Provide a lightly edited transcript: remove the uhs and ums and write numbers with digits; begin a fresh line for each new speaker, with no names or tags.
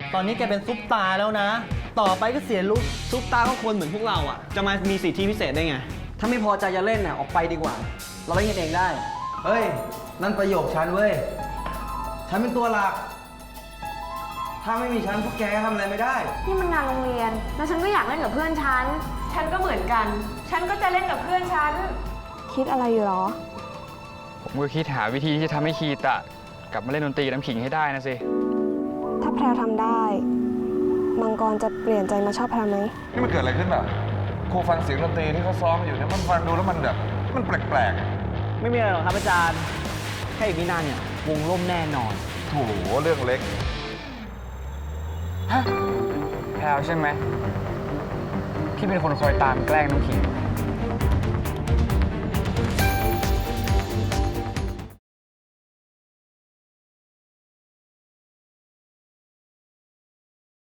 ตอนนี้แกเป็นซุปตาร์แล้วนะ ต่อไปก็เสียลุค
ซุปตาก็คนเหมือนพวกเราอ่ะ จะมามีสิทธิพิเศษได้ไง
ถ้าไม่พอใจจะเล่นน่ะออกไปดีกว่า เราเล่นกันเองได้
เฮ้ย นั่นประโยคฉันเว้ย ฉันเป็นตัวหลัก ถ้าไม่มีฉันพวกแกทำอะไรไม่ได้
นี่มันงานโรงเรียน แล้วฉันก็อยากเล่นกับเพื่อนฉัน
ฉันก็เหมือนกัน ฉันก็จะเล่นกับเพื่อนฉัน
คิดอะไรอยู่หรอ
ผมก็คิดหาวิธีที่จะทำให้คีตะกลับมาเล่นดนตรีกับน้ำขิงให้ได้นะสิ
ถ้าแพรวทำได้ มังกรจะเปลี่ยนใจมาชอบแพรวไหม
นี่มันเกิดอะไรขึ้นแบบครูฟังเสียงดนตรีที่เขาซ้อมอยู่เนี่ยมันฟังดูแล้วมันแบบมันแปลกๆอะ
ไม่มีอะไรหรอกครับอาจารย์ แค่อีกไม่นานเนี่ยวงล่มแน่นอน
โถเรื่องเล็ก
ฮะแพลวใช่ไหมที่เป็นคนคอยตามแกล้งน้ำขิง